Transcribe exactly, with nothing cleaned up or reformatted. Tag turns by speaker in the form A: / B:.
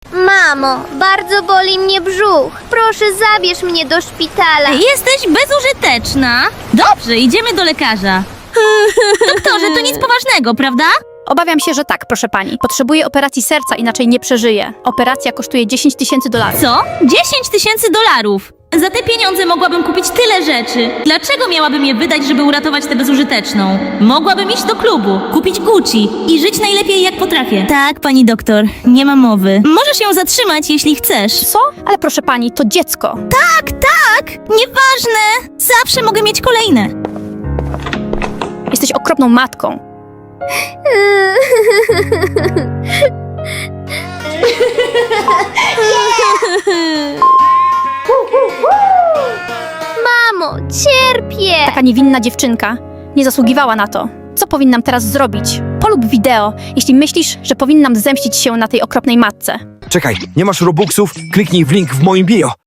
A: Mamo, bardzo boli mnie brzuch. Proszę, zabierz mnie do szpitala.
B: Jesteś bezużyteczna. Dobrze, idziemy do lekarza. Doktorze, to nic poważnego, prawda?
C: Obawiam się, że tak, proszę pani. Potrzebuję operacji serca, inaczej nie przeżyję. Operacja kosztuje dziesięć tysięcy dolarów.
B: Co? dziesięć tysięcy dolarów. Za te pieniądze mogłabym kupić tyle rzeczy. Dlaczego miałabym je wydać, żeby uratować tę bezużyteczną? Mogłabym iść do klubu, kupić Gucci i żyć najlepiej jak potrafię. Tak, pani doktor, nie ma mowy. Możesz ją zatrzymać, jeśli chcesz.
C: Co? Ale proszę pani, to dziecko.
B: Tak, tak! Nieważne! Zawsze mogę mieć kolejne.
C: Jesteś okropną matką.
A: Mamo, cierpię.
C: Taka niewinna dziewczynka nie zasługiwała na to. Co powinnam teraz zrobić? Polub wideo, jeśli myślisz, że powinnam zemścić się na tej okropnej matce.
D: Czekaj, nie masz robuxów? Kliknij w link w moim bio.